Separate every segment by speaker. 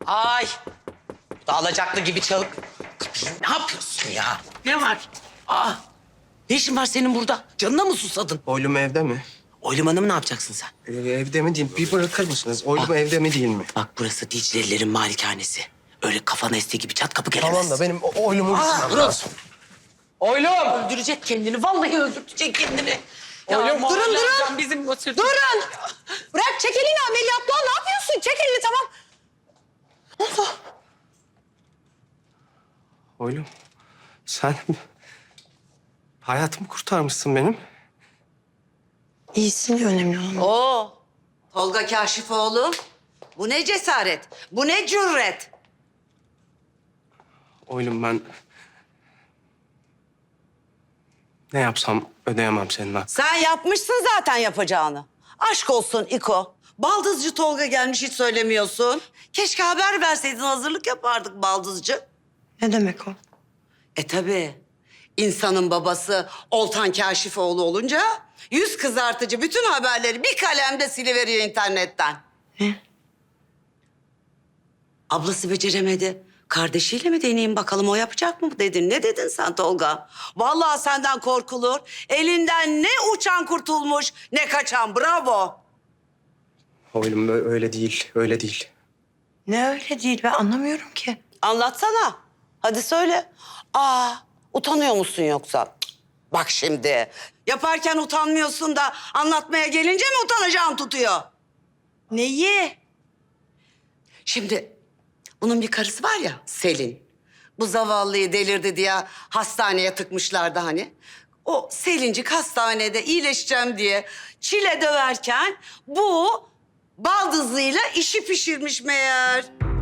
Speaker 1: Ay. Bu da alacaklı gibi çalık. Kapıyı ne yapıyorsun ya? Ne var? Aa. Ne işin var senin burada? Canına mı susadın?
Speaker 2: Oylum evde mi?
Speaker 1: Oylum Hanım'ı ne yapacaksın sen?
Speaker 2: Evde mi değil mi? Bir bırakır mısınız? Oylum evde mi değil mi?
Speaker 1: Bak burası Dicle'lilerin malikanesi. Öyle kafana estiği gibi çat kapı gelemez.
Speaker 2: Tamam da benim oylumu gitmem lazım.
Speaker 1: Oylum! Öldürecek kendini. Vallahi öldürecek kendini.
Speaker 2: Oylum.
Speaker 1: Durun. Bizim
Speaker 3: Durun! Bırak, çek elini ameliyatlı ol. Ne yapıyorsun? Çek elini, tamam. Ne oldu?
Speaker 2: Oylum sen hayatımı kurtarmışsın benim.
Speaker 3: İyisin ya, önemli olan.
Speaker 4: Oo, Tolga Kaşifoğlu. Bu ne cesaret, bu ne cüret.
Speaker 2: Oylum ben ne yapsam ödeyemem senin hakkını.
Speaker 4: Sen yapmışsın zaten yapacağını. Aşk olsun İko. Baldızcı Tolga gelmiş, hiç söylemiyorsun. Keşke haber verseydin, hazırlık yapardık baldızcı.
Speaker 3: Ne demek o?
Speaker 4: Tabii. İnsanın babası Oltan Kaşifoğlu olunca yüz kızartıcı bütün haberleri bir kalemde siliveriyor internetten.
Speaker 3: Ne?
Speaker 4: Ablası beceremedi. Kardeşiyle mi deneyeyim bakalım, o yapacak mı dedin? Ne dedin sen Tolga? Vallahi senden korkulur. Elinden ne uçan kurtulmuş ne kaçan, bravo.
Speaker 2: Oylum öyle değil, öyle değil.
Speaker 3: Ne öyle değil, ben anlamıyorum ki.
Speaker 4: Anlatsana. Hadi söyle. Utanıyor musun yoksa? Cık, bak şimdi. Yaparken utanmıyorsun da anlatmaya gelince mi utanacağın tutuyor?
Speaker 3: Neyi?
Speaker 4: Şimdi bunun bir karısı var ya, Selin. Bu zavallıyı delirdi diye hastaneye tıkmışlardı hani. O Selincik hastanede iyileşeceğim diye çile döverken bu baldızıyla işi pişirmiş meğer.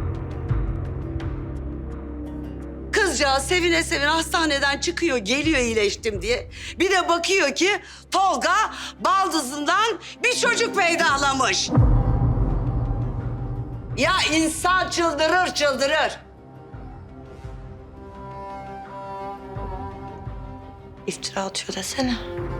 Speaker 4: Kızcağız sevine sevine hastaneden çıkıyor, geliyor iyileştim diye. Bir de bakıyor ki Tolga baldızından bir çocuk peydahlamış. Ya insan çıldırır, çıldırır.
Speaker 3: İftira atıyor desene.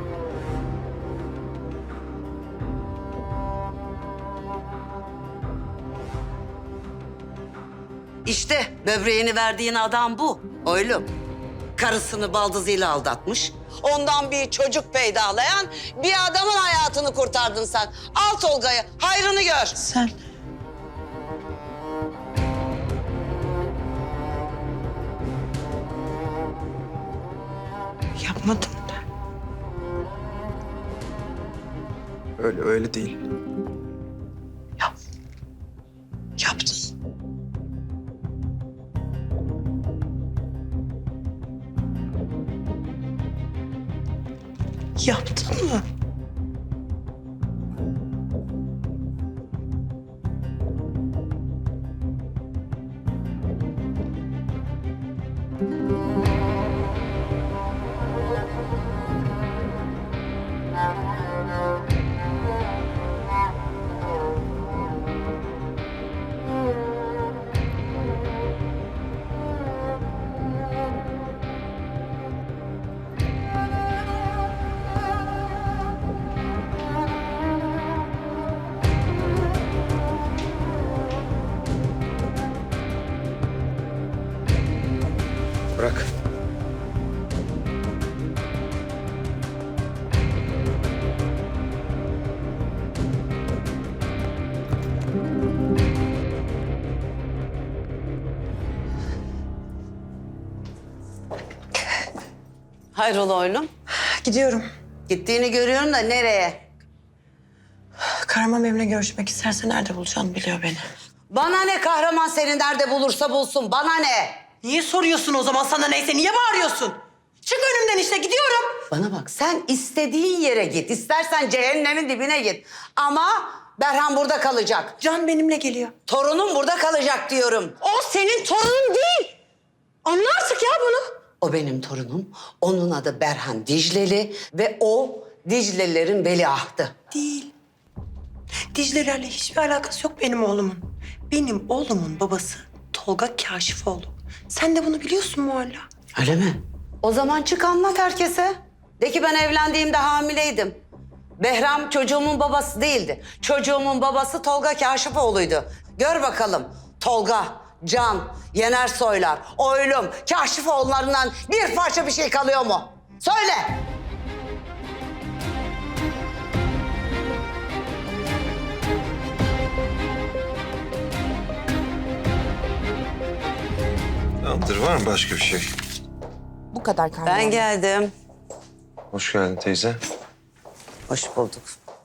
Speaker 4: İşte böbreğini verdiğin adam bu, oğlum. Karısını baldızıyla aldatmış. Ondan bir çocuk peydahlayan bir adamın hayatını kurtardın sen. Al Tolga'yı, hayrını gör.
Speaker 3: Sen... Yapmadım da.
Speaker 2: Öyle değil.
Speaker 3: Yap. Yaptın. Yaptın mı?
Speaker 2: Bırak.
Speaker 4: Hayrola oğlum?
Speaker 3: Gidiyorum.
Speaker 4: Gittiğini görüyorum da nereye?
Speaker 3: Kahraman benimle görüşmek isterse nerede bulacağını biliyor beni.
Speaker 4: Bana ne, kahraman seni nerede bulursa bulsun, bana ne?
Speaker 3: Niye soruyorsun o zaman, sana neyse? Niye bağırıyorsun? Çık önümden işte, gidiyorum.
Speaker 4: Bana bak, sen istediğin yere git. İstersen cehennemin dibine git. Ama Berhan burada kalacak.
Speaker 3: Can benimle geliyor.
Speaker 4: Torunum burada kalacak diyorum.
Speaker 3: O senin torunun değil. Anla artık ya bunu.
Speaker 4: O benim torunum. Onun adı Berhan Dicleli ve o Diclelilerin veliahtı.
Speaker 3: Değil. Dicle'lerle hiçbir alakası yok benim oğlumun. Benim oğlumun babası Tolga Kaşifoğlu. Sen de bunu biliyorsun mu hala?
Speaker 4: Öyle mi? O zaman çık anlat herkese. De ki ben evlendiğimde hamileydim. Behram çocuğumun babası değildi. Çocuğumun babası Tolga Kaşifoğlu'ydu. Gör bakalım Tolga, Can, Yener Soylar, Oylum, Kaşifoğullarından bir parça bir şey kalıyor mu? Söyle.
Speaker 5: Tamamdır, var mı başka bir şey?
Speaker 6: Bu kadar Kahraman.
Speaker 4: Ben geldim.
Speaker 5: Hoş geldin teyze.
Speaker 4: Hoş bulduk.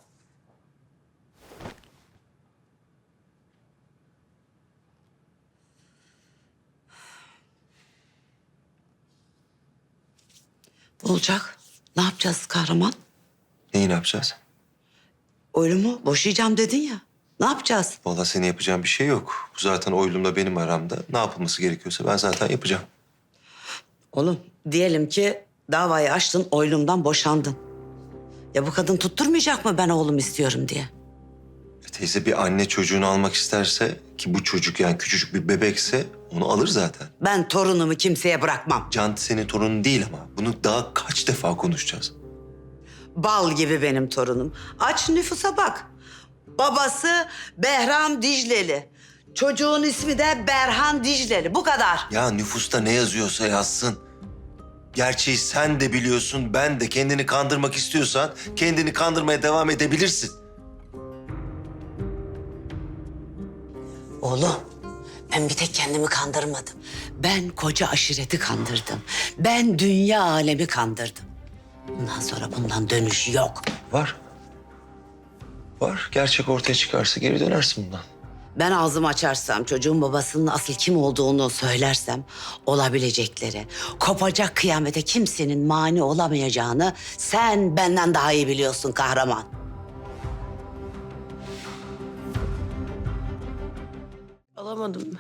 Speaker 4: Ne olacak? Ne yapacağız kahraman?
Speaker 5: Neyi ne yapacağız?
Speaker 4: Oylumu boşayacağım dedin ya. Ne yapacağız?
Speaker 5: Vallahi senin yapacağın bir şey yok. Bu zaten oylumla benim aramda. Ne yapılması gerekiyorsa ben zaten yapacağım.
Speaker 4: Oğlum diyelim ki davayı açtın, Oylum'dan boşandın. Ya bu kadın tutturmayacak mı ben oğlum istiyorum diye?
Speaker 5: Teyze bir anne çocuğunu almak isterse ki bu çocuk yani küçücük bir bebekse onu alır zaten.
Speaker 4: Ben torunumu kimseye bırakmam.
Speaker 5: Can senin torunun değil ama bunu daha kaç defa konuşacağız?
Speaker 4: Bal gibi benim torunum. Aç nüfusa bak. Babası Behram Dicleli. Çocuğun ismi de Berhan Dicleli. Bu kadar.
Speaker 5: Ya nüfusta ne yazıyorsa yazsın. Gerçeği sen de biliyorsun, ben de. Kendini kandırmak istiyorsan kendini kandırmaya devam edebilirsin.
Speaker 4: Oğlum, ben bir tek kendimi kandırmadım. Ben koca aşireti kandırdım. Ben dünya alemi kandırdım. Bundan sonra bundan dönüş yok.
Speaker 5: Var. Var. Gerçek ortaya çıkarsa geri dönersin bundan.
Speaker 4: Ben ağzımı açarsam, çocuğun babasının asıl kim olduğunu söylersem... olabilecekleri, kopacak kıyamete kimsenin mani olamayacağını... sen benden daha iyi biliyorsun kahraman.
Speaker 3: Alamadım.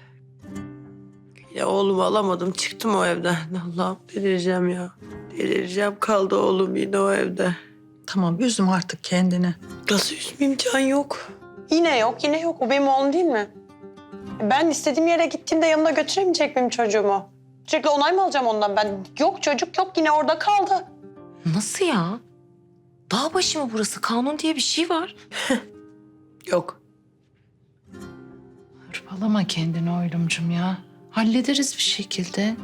Speaker 3: Ya oğlumu alamadım. Çıktım o evden. Allah'ım delireceğim ya. Delireceğim. Kaldı oğlum yine o evde.
Speaker 7: Tamam üzme artık kendini.
Speaker 3: Nasıl üzmeyeyim, Can yok. Yine yok, yine yok. O benim oğlum değil mi? Ben istediğim yere gittiğimde yanımda götüremeyecek miyim çocuğumu? Sürekli onay mı alacağım ondan ben? Yok çocuk yok, yine orada kaldı.
Speaker 6: Nasıl ya? Dağ başı mı burası? Kanun diye bir şey var.
Speaker 3: Yok.
Speaker 7: Hırpalama kendini Oylumcum ya. Hallederiz bir şekilde.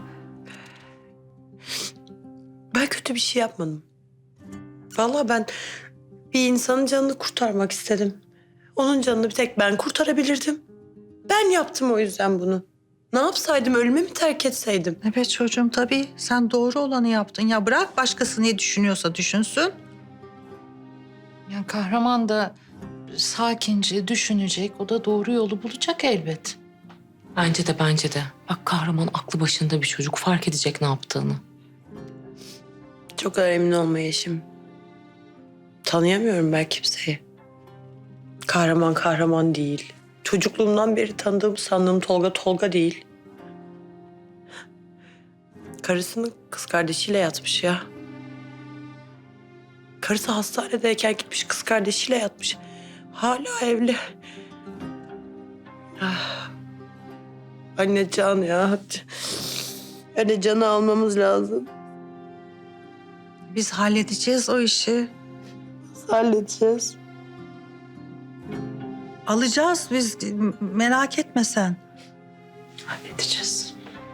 Speaker 3: Ben kötü bir şey yapmadım. Vallahi ben bir insanın canını kurtarmak istedim. Onun canını bir tek ben kurtarabilirdim. Ben yaptım o yüzden bunu. Ne yapsaydım, ölüme mi terk etseydim?
Speaker 7: Evet çocuğum tabii sen doğru olanı yaptın. Ya bırak başkası ne düşünüyorsa düşünsün. Ya kahraman da sakince düşünecek. O da doğru yolu bulacak elbet.
Speaker 6: Bence de. Bak kahraman aklı başında bir çocuk fark edecek ne yaptığını.
Speaker 3: Çok kadar emin olma Yeşim. Tanıyamıyorum ben kimseyi. Kahraman değil. Çocukluğumdan beri tanıdığım sandığım Tolga değil. Karısının kız kardeşiyle yatmış ya. Karısı hastanedeyken gitmiş kız kardeşiyle yatmış. Hala evli. Ah. Anne Can ya. Anne Can'ı almamız lazım.
Speaker 7: Biz halledeceğiz o işi.
Speaker 3: Halledeceğiz.
Speaker 7: Alacağız biz merak etme sen. Halledeceğiz.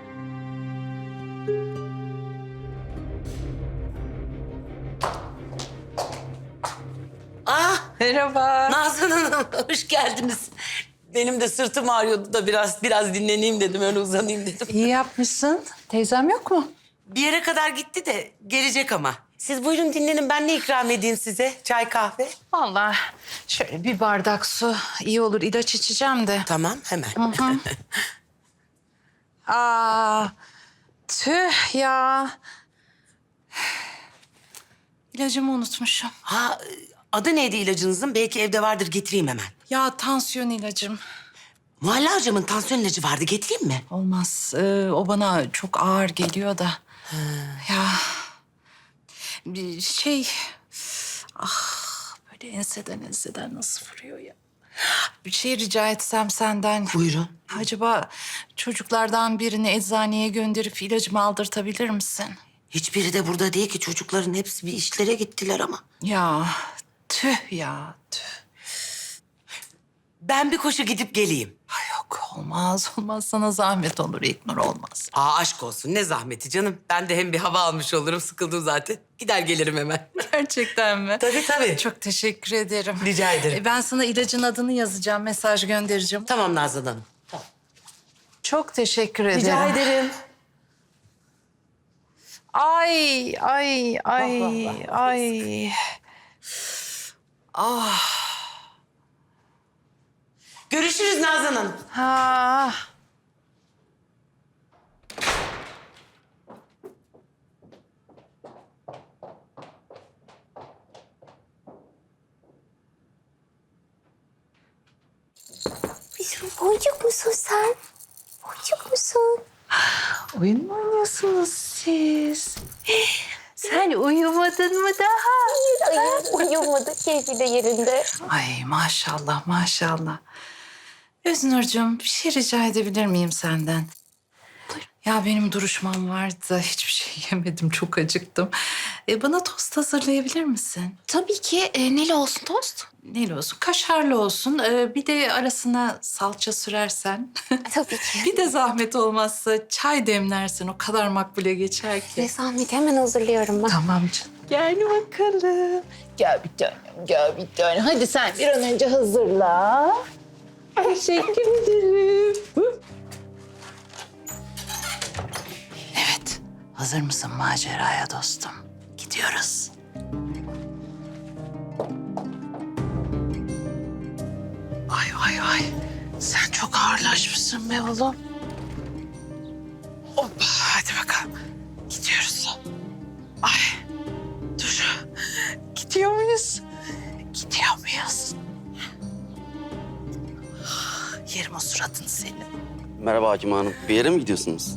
Speaker 1: Ah,
Speaker 3: Merhaba.
Speaker 1: Nazan Hanım, hoş geldiniz. Benim de sırtım ağrıyordu da biraz dinleneyim dedim, öyle uzanayım dedim.
Speaker 7: İyi yapmışsın. Teyzem yok mu?
Speaker 1: Bir yere kadar gitti de gelecek ama. Siz buyurun dinlenin, ben ne ikram edeyim size? Çay, kahve?
Speaker 7: Vallahi şöyle bir bardak su iyi olur. İlaç içeceğim de.
Speaker 1: Tamam, hemen.
Speaker 7: Aa, tüh ya. İlacımı unutmuşum.
Speaker 1: Ha, adı neydi ilacınızın? Belki evde vardır, getireyim hemen.
Speaker 7: Ya tansiyon ilacım.
Speaker 1: Muhalle hocamın tansiyon ilacı vardı, getireyim mi?
Speaker 7: Olmaz. O bana çok ağır geliyor da. Ya bir şey... Ah böyle enseden nasıl vuruyor ya. Bir şey rica etsem senden.
Speaker 1: Buyurun.
Speaker 7: Acaba çocuklardan birini eczaneye gönderip ilacımı aldırtabilir misin?
Speaker 1: Hiçbiri de burada değil ki, çocukların hepsi bir işlere gittiler ama.
Speaker 7: Ya tüh ya tüh.
Speaker 1: Ben bir koşu gidip geleyim.
Speaker 7: Ay yok Olmaz olmaz, sana zahmet olur İlknur, olmaz.
Speaker 1: Aşk olsun ne zahmeti canım. Ben de hem bir hava almış olurum sıkıldım zaten. Gider gelirim hemen.
Speaker 7: Gerçekten mi?
Speaker 1: Tabii.
Speaker 7: Çok teşekkür ederim.
Speaker 1: Rica ederim.
Speaker 7: Ben sana ilacın adını yazacağım, mesaj göndereceğim.
Speaker 1: Tamam Nazan Hanım.
Speaker 7: Çok teşekkür ederim.
Speaker 1: Rica ederim.
Speaker 7: Ay. Ah.
Speaker 1: Görüşürüz Nazan Hanım.
Speaker 7: Ha.
Speaker 8: Bizim boncuk musun sen? Boncuk musun?
Speaker 7: Oyun mu oynuyorsunuz siz?
Speaker 8: Sen uyumadın mı daha? Hayır, uyumadı. Keyfi de yerinde.
Speaker 7: Ay maşallah maşallah. Öznurcuğum, bir şey rica edebilir miyim senden? Ya benim duruşmam vardı. Hiçbir şey yemedim. Çok acıktım. Bana tost hazırlayabilir misin?
Speaker 8: Tabii ki. Neli olsun tost?
Speaker 7: Neli olsun? Kaşarlı olsun. Bir de arasına salça sürersen.
Speaker 8: Tabii ki.
Speaker 7: Bir de zahmet olmazsa çay demlersen o kadar makbule geçer ki.
Speaker 8: Ne zahmet, hemen hazırlıyorum ben.
Speaker 7: Tamam canım. Gel bakalım. Gel bir tanem, gel bir tanem. Hadi sen bir an önce hazırla. Teşekkür ederim. Evet, hazır mısın maceraya dostum? Gidiyoruz. Ay. Sen çok ağırlaşmışsın be oğlum. Hoppa, hadi bakalım. Gidiyoruz. Ay, dur. Gidiyor muyuz? Gidiyor muyuz? Yerim o suratını senin.
Speaker 9: Merhaba Hakim Hanım. Bir yere mi gidiyorsunuz?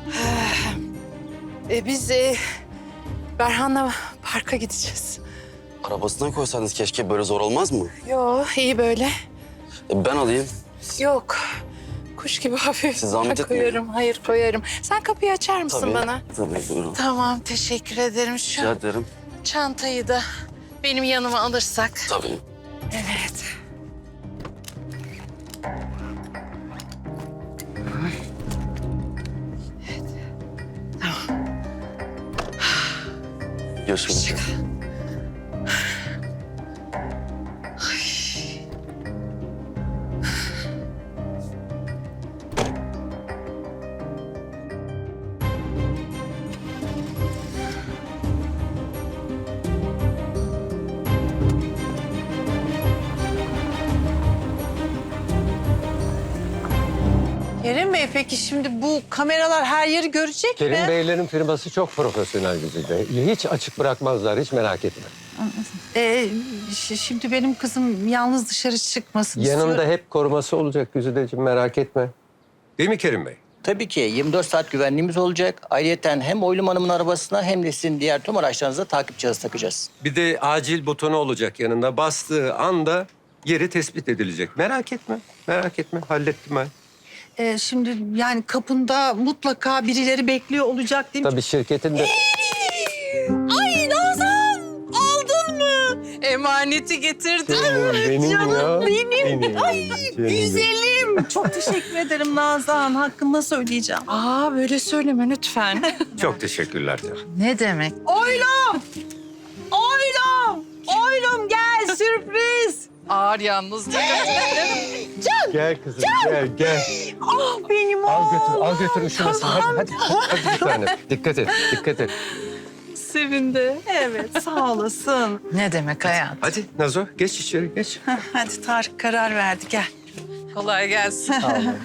Speaker 7: Biz Berhan'la parka gideceğiz.
Speaker 9: Arabasına koysaydınız keşke, böyle zor olmaz mı?
Speaker 7: Yo, iyi böyle.
Speaker 9: Ben alayım.
Speaker 7: Yok. Kuş gibi hafif.
Speaker 9: Siz zahmet
Speaker 7: Ben
Speaker 9: etmeyin.
Speaker 7: koyarım, hayır koyarım. Sen kapıyı açar mısın
Speaker 9: Tabii.
Speaker 7: bana?
Speaker 9: Tabii, buyurun.
Speaker 7: Tamam, teşekkür ederim. Şu
Speaker 9: Rica ederim.
Speaker 7: çantayı da benim yanıma alırsak.
Speaker 9: Tabii.
Speaker 7: Evet.
Speaker 9: Görüşmek üzere.
Speaker 10: Kerim Bey, peki şimdi bu kameralar her yeri görecek
Speaker 11: Kerim
Speaker 10: mi?
Speaker 11: Beylerin firması çok profesyonel düzeyde. Hiç açık bırakmazlar, hiç merak etme.
Speaker 10: Şimdi benim kızım yalnız dışarı çıkmasın
Speaker 11: Yanında
Speaker 10: istiyorum.
Speaker 11: hep koruması olacak Güzideciğim, merak etme. Değil mi Kerim Bey?
Speaker 12: Tabii ki 24 saat güvenliğimiz olacak. Ayrıyeten hem Oylum Hanım'ın arabasına hem de sizin diğer tüm araçlarınıza takip cihazı takacağız.
Speaker 11: Bir de acil butonu olacak yanında. Bastığı anda yeri tespit edilecek. Merak etme, merak etme. Hallettim ben.
Speaker 10: Şimdi yani kapında mutlaka birileri bekliyor olacak değil mi?
Speaker 11: Tabii şirketin de...
Speaker 10: Ay Nazan! Aldın mı? Emaneti getirdim.
Speaker 11: Benim
Speaker 10: Canım
Speaker 11: ya.
Speaker 10: benim. Ay
Speaker 11: Canım
Speaker 10: güzelim. Çok teşekkür ederim Nazan. Hakkında söyleyeceğim.
Speaker 7: Böyle söyleme lütfen.
Speaker 11: Çok teşekkürler canım.
Speaker 7: Ne demek?
Speaker 10: Oylum! Oylum! Oylum gel sürpriz.
Speaker 7: Ağır yalnız.
Speaker 11: Gel kızım, gel.
Speaker 10: Ah benim
Speaker 11: Al götür üşümesin. Hadi bir tane. Dikkat et.
Speaker 10: Sevindi. Evet sağ olasın.
Speaker 7: Ne demek hayat?
Speaker 11: Hadi Nazo, geç içeri, geç.
Speaker 10: Hadi Tarık karar verdi gel.
Speaker 7: Kolay gelsin.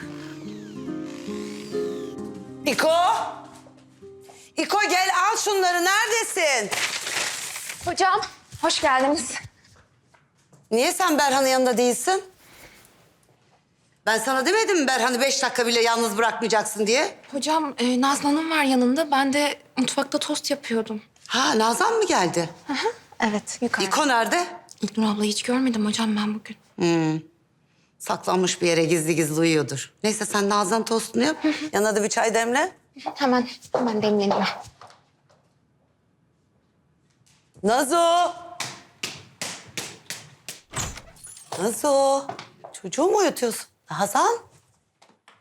Speaker 4: İko! İko gel al şunları. Neredesin?
Speaker 8: Hocam, hoş geldiniz.
Speaker 4: Niye sen Berhan'ın yanında değilsin? Ben sana demedim mi Berhan'ı 5 dakika bile yalnız bırakmayacaksın diye?
Speaker 8: Hocam, Nazlı Hanım var yanında. Ben de mutfakta tost yapıyordum.
Speaker 4: Ha Nazan mı geldi?
Speaker 8: Evet, yukarıda.
Speaker 4: İko nerede?
Speaker 8: İlknur ablayı hiç görmedim hocam ben bugün.
Speaker 4: Saklanmış bir yere gizli gizli uyuyordur. Neyse sen Nazan tostunu yap. Yanına da bir çay demle.
Speaker 8: Hemen demleniyor.
Speaker 4: Nazo! Nazo! Çocuğu mu uyutuyorsun? Nazan?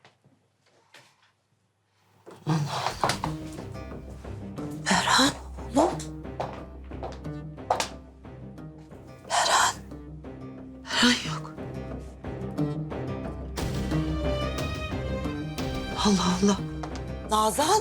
Speaker 3: Berhan oğlum. Berhan. Berhan yok. Allah Allah.
Speaker 4: Nazan.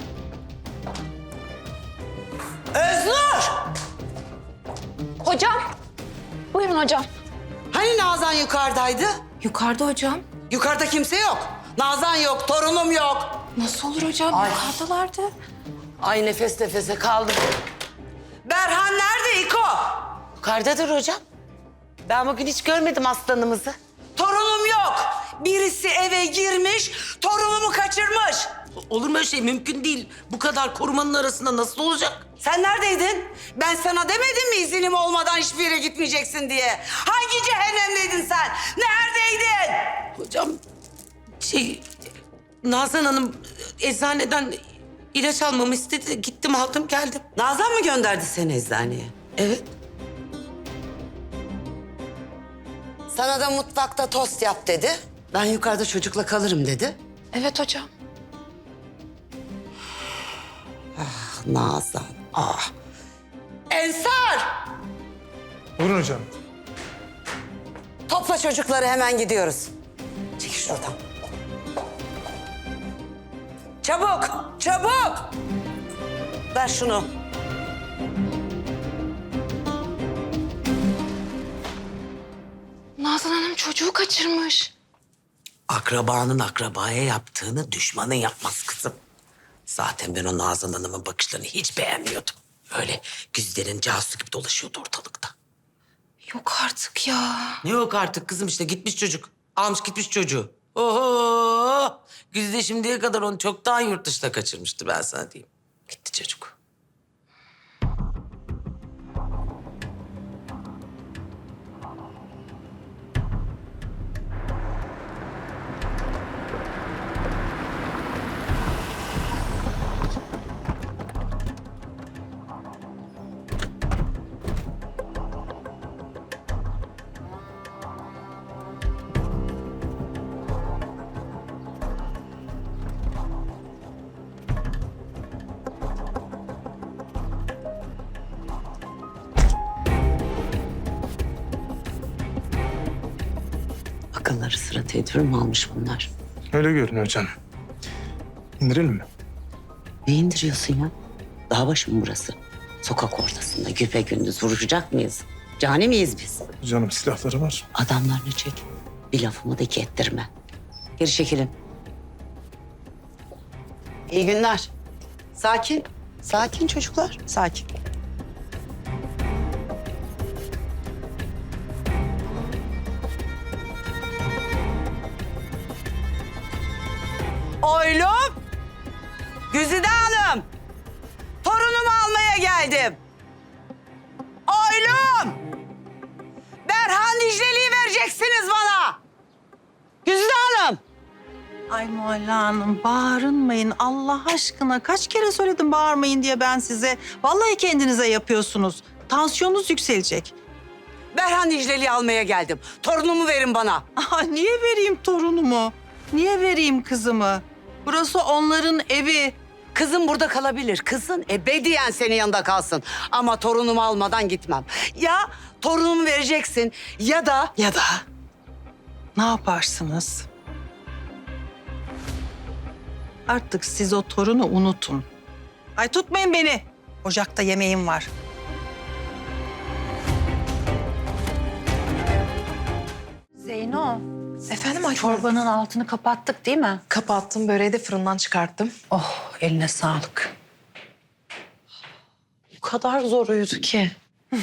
Speaker 4: Öznur!
Speaker 8: Hocam. Buyurun hocam.
Speaker 4: Hani Nazan yukarıdaydı?
Speaker 6: Yukarıda hocam.
Speaker 4: Yukarıda kimse yok. Nazan yok, torunum yok.
Speaker 6: Nasıl olur hocam? Yukarıdalardı.
Speaker 1: Ay nefes nefese kaldım.
Speaker 4: Berhan nerede İko?
Speaker 1: Yukarıdadır hocam. Ben bugün hiç görmedim aslanımızı.
Speaker 4: Torunum yok. Birisi eve girmiş, torunumu kaçırmış.
Speaker 1: Olur mu öyle şey? Mümkün değil. Bu kadar korumanın arasında nasıl olacak?
Speaker 4: Sen neredeydin? Ben sana demedim mi izinim olmadan hiçbir yere gitmeyeceksin diye? Hangi cehennemdeydin sen? Neredeydin?
Speaker 1: Hocam Nazan Hanım eczaneden ilaç almamı istedi. Gittim aldım geldim.
Speaker 4: Nazan mı gönderdi seni eczaneye?
Speaker 1: Evet.
Speaker 4: Sana da mutfakta tost yap dedi. Ben yukarıda çocukla kalırım dedi.
Speaker 6: Evet hocam.
Speaker 4: Ah Nazan, ah. Ensar!
Speaker 2: Buyurun hocam.
Speaker 4: Topla çocukları hemen gidiyoruz. Çekil şuradan. Çabuk, çabuk! Ver şunu.
Speaker 6: Nazan Hanım çocuğu kaçırmış.
Speaker 1: Akrabanın akrabaya yaptığını düşmanın yapmaz kızım. Zaten ben o Nazan Hanım'ın bakışlarını hiç beğenmiyordum. Öyle güzlerin casusu gibi dolaşıyordu ortalıkta.
Speaker 6: Yok artık ya.
Speaker 1: Ne yok artık kızım işte gitmiş çocuk. Almış gitmiş çocuğu. Oho! Güzide şimdiye kadar onu çoktan yurt dışına kaçırmıştı ben sana diyeyim. Gitti çocuk.
Speaker 4: Akılları sıra tedbir mi almış bunlar?
Speaker 2: Öyle görünüyor hocam. İndirelim mi?
Speaker 4: Ne indiriyorsun ya? Dağ başı mı burası? Sokak ortasında güpegündüz vuruşacak mıyız? Cani miyiz biz?
Speaker 2: Hocam silahları var.
Speaker 4: Adamlarını çek. Bir lafımı da iki ettirme. Geri çekilin. İyi günler. Sakin. Sakin çocuklar. Sakin. Oylum. Güzide Hanım. Torunumu almaya geldim. Oylum. Berhan Dicle'liyi vereceksiniz bana. Güzide Hanım.
Speaker 10: Ay Mualla Hanım bağırmayın Allah aşkına. Kaç kere söyledim bağırmayın diye ben size. Vallahi kendinize yapıyorsunuz. Tansiyonunuz yükselecek.
Speaker 4: Berhan Dicle'liyi almaya geldim. Torunumu verin bana.
Speaker 10: Aa, niye vereyim torunumu? Niye vereyim kızımı? Burası onların evi.
Speaker 4: Kızım burada kalabilir. Kızın ebediyen senin yanında kalsın. Ama torunumu almadan gitmem. Ya torunumu vereceksin ya da...
Speaker 10: Ne yaparsınız? Artık siz o torunu unutun. Ay tutmayın beni. Ocakta yemeğim var.
Speaker 7: Zeyno,
Speaker 6: Efendim Ayten?
Speaker 7: çorbanın altını kapattık değil mi?
Speaker 6: Kapattım, böreği de fırından çıkarttım.
Speaker 10: Oh eline sağlık.
Speaker 6: Bu kadar zor uyudu ki.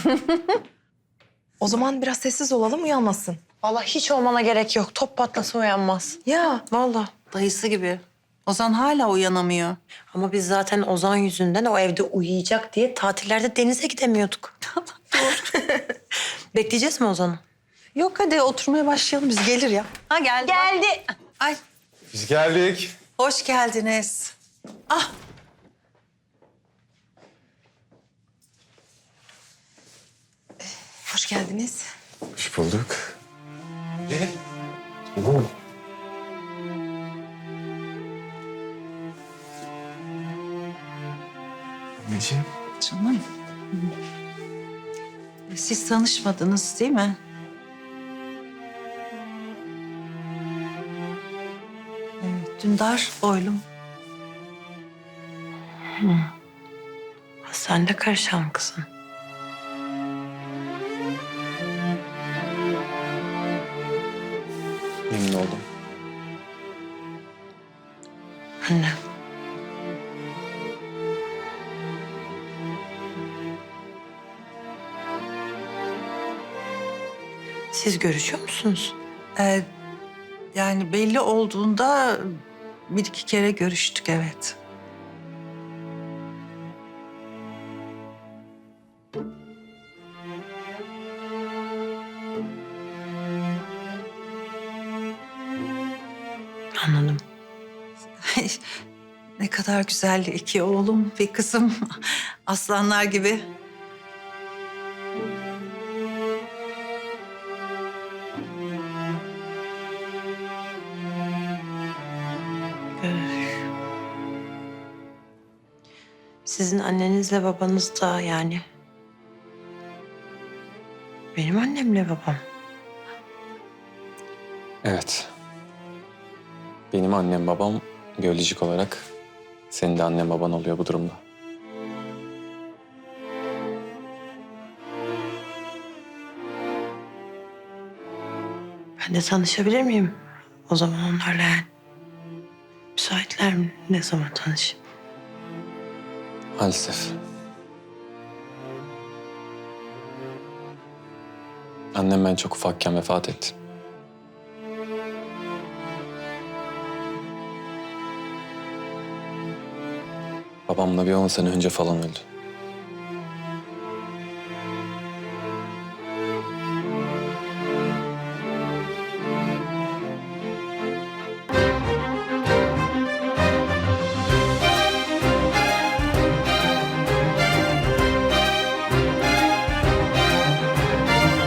Speaker 6: O zaman biraz sessiz olalım, uyanmasın. Vallahi hiç olmana gerek yok. Top patlasa uyanmaz. Ya vallahi.
Speaker 10: Dayısı gibi. Ozan hala uyanamıyor.
Speaker 3: Ama biz zaten Ozan yüzünden o evde uyuyacak diye tatillerde denize gidemiyorduk. Bekleyeceğiz mi Ozan'ı?
Speaker 10: Yok hadi oturmaya başlayalım biz. Gelir ya. Ha geldi.
Speaker 8: Geldi.
Speaker 10: Ay
Speaker 2: Biz geldik.
Speaker 10: hoş geldiniz. Ah.
Speaker 6: Hoş geldiniz.
Speaker 2: Hoş bulduk.
Speaker 10: Siz tanışmadınız değil mi? Evet, Dündar oğlum.
Speaker 3: Sen de karışan kızım.
Speaker 2: Memnun oldum.
Speaker 3: Anne. Siz görüşüyor musunuz?
Speaker 10: Yani belli olduğunda bir iki kere görüştük, evet.
Speaker 3: Anladım.
Speaker 10: Ne kadar güzel iki oğlum, bir kızım. Aslanlar gibi.
Speaker 3: Sizin annenizle babanız da yani. Benim annemle babam.
Speaker 2: Evet. Benim annem babam biyolojik olarak senin de annen baban oluyor bu durumda.
Speaker 3: Ben de tanışabilir miyim? O zaman onlarla yani. Müsaitler mi? Ne zaman tanışayım?
Speaker 2: Maalesef. Annem ben çok ufakken vefat etti. Babam da bir 10 sene önce falan öldü.